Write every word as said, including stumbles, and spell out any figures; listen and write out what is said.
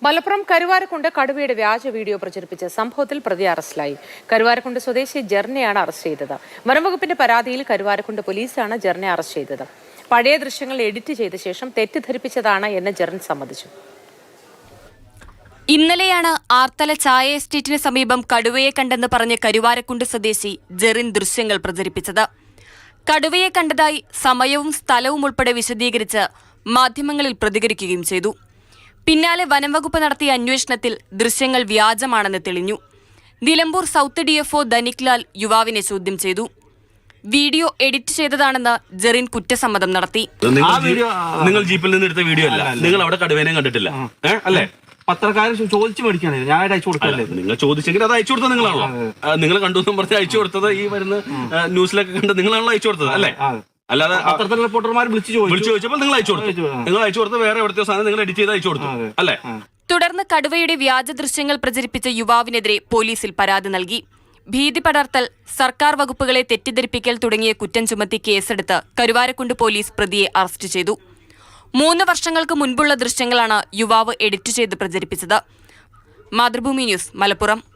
മലപ്പുറം കരുവാരക്കുണ്ട് കടുവയുടെ വ്യാജ വീഡിയോ പ്രചരിപ്പിച്ച സംഭവത്തിൽ പ്രതി അറസ്റ്റിലായി. കരുവാരക്കുണ്ട് സ്വദേശി ജെറിനെയാണ് അറസ്റ്റ് ചെയ്തത്. വനംവകുപ്പിന്റെ പരാതിയിൽ കരുവാരക്കുണ്ട് പോലീസാണ് ജെറിനെ അറസ്റ്റ് ചെയ്തത്. പഴയ ദൃശ്യങ്ങൾ എഡിറ്റ് ചെയ്ത ശേഷം തെറ്റിദ്ധരിപ്പിച്ചതാണ് എന്ന് ജെറിൻ സമ്മതിച്ചു. ഇന്നലെയാണ് ആർത്തല ചായ എസ്റ്റേറ്റിന് സമീപം കടുവയെ കണ്ടെന്ന് പറഞ്ഞ് കരുവാരക്കുണ്ട് സ്വദേശി ജെറിൻ ദൃശ്യങ്ങൾ പ്രചരിപ്പിച്ചത്. കടുവയെ കണ്ടതായി സമയവും സ്ഥലവും ഉൾപ്പെടെ വിശദീകരിച്ച് മാധ്യമങ്ങളിൽ പ്രതികരിക്കുകയും ചെയ്തു. പിന്നാലെ വനംവകുപ്പ് നടത്തിയ അന്വേഷണത്തിൽ ദൃശ്യങ്ങൾ വ്യാജമാണെന്ന് തെളിഞ്ഞു. നിലമ്പൂർ സൗത്ത് ഡിഎഫ്ഒ ധനിക്ലാൽ യുവാവിനെ ചോദ്യം ചെയ്തു. വീഡിയോ എഡിറ്റ് ചെയ്തതാണെന്ന് ജെറിൻ കുറ്റസമ്മതം നടത്തി. നിങ്ങൾ ജീപ്പിൽ നിന്ന് എടുത്ത വീഡിയോ അല്ല, നിങ്ങൾ അവിടെ കടുവേനെ കണ്ടിട്ടില്ല അല്ലേ? പത്രക്കാരൻ ചോദിച്ചു മേടിക്കാണ്, ഞാൻ അയച്ചു കൊടുക്കല്ലേ? നിങ്ങൾ ചോദിച്ചെങ്കിൽ അത് അയച്ചു കൊടുത്തത് നിങ്ങളാണല്ലോ. നിങ്ങൾ കണ്ടു എന്നും പറഞ്ഞ് അയച്ചു കൊടുത്തത് ഈ വരുന്ന ന്യൂസിലൊക്കെ കണ്ട് നിങ്ങളാണല്ലോ അയച്ചു കൊടുത്തത് അല്ലേ? അല്ലാതെ പത്രത്തിലെ റിപ്പോർട്ടർമാർ വിളിച്ചു വിളിച്ചു ചോദിച്ചപ്പോൾ നിങ്ങൾ അയച്ചു കൊടുത്തു. നിങ്ങൾ അയച്ചു കൊടുത്ത് വേറെ എവിടുത്തെ സാധനം നിങ്ങൾ എഡിറ്റ് ചെയ്ത് അയച്ചു കൊടുത്തു അല്ലേ? തുടർന്ന് കടുവയുടെ വ്യാജ ദൃശ്യങ്ങൾ പ്രചരിപ്പിച്ച യുവാവിനെതിരെ പോലീസിൽ പരാതി നൽകി. ഭീതി പടർത്തൽ, സർക്കാർ വകുപ്പുകളെ തെറ്റിദ്ധരിപ്പിക്കൽ തുടങ്ങിയ കുറ്റം ചുമത്തി കേസെടുത്ത് കരുവാരക്കുണ്ട് പോലീസ് പ്രതിയെ അറസ്റ്റ് ചെയ്തു. മൂന്ന് വർഷങ്ങൾക്ക് മുൻപുള്ള ദൃശ്യങ്ങളാണ് യുവാവ് എഡിറ്റ് ചെയ്ത് പ്രചരിപ്പിച്ചത്. മാതൃഭൂമി ന്യൂസ്, മലപ്പുറം.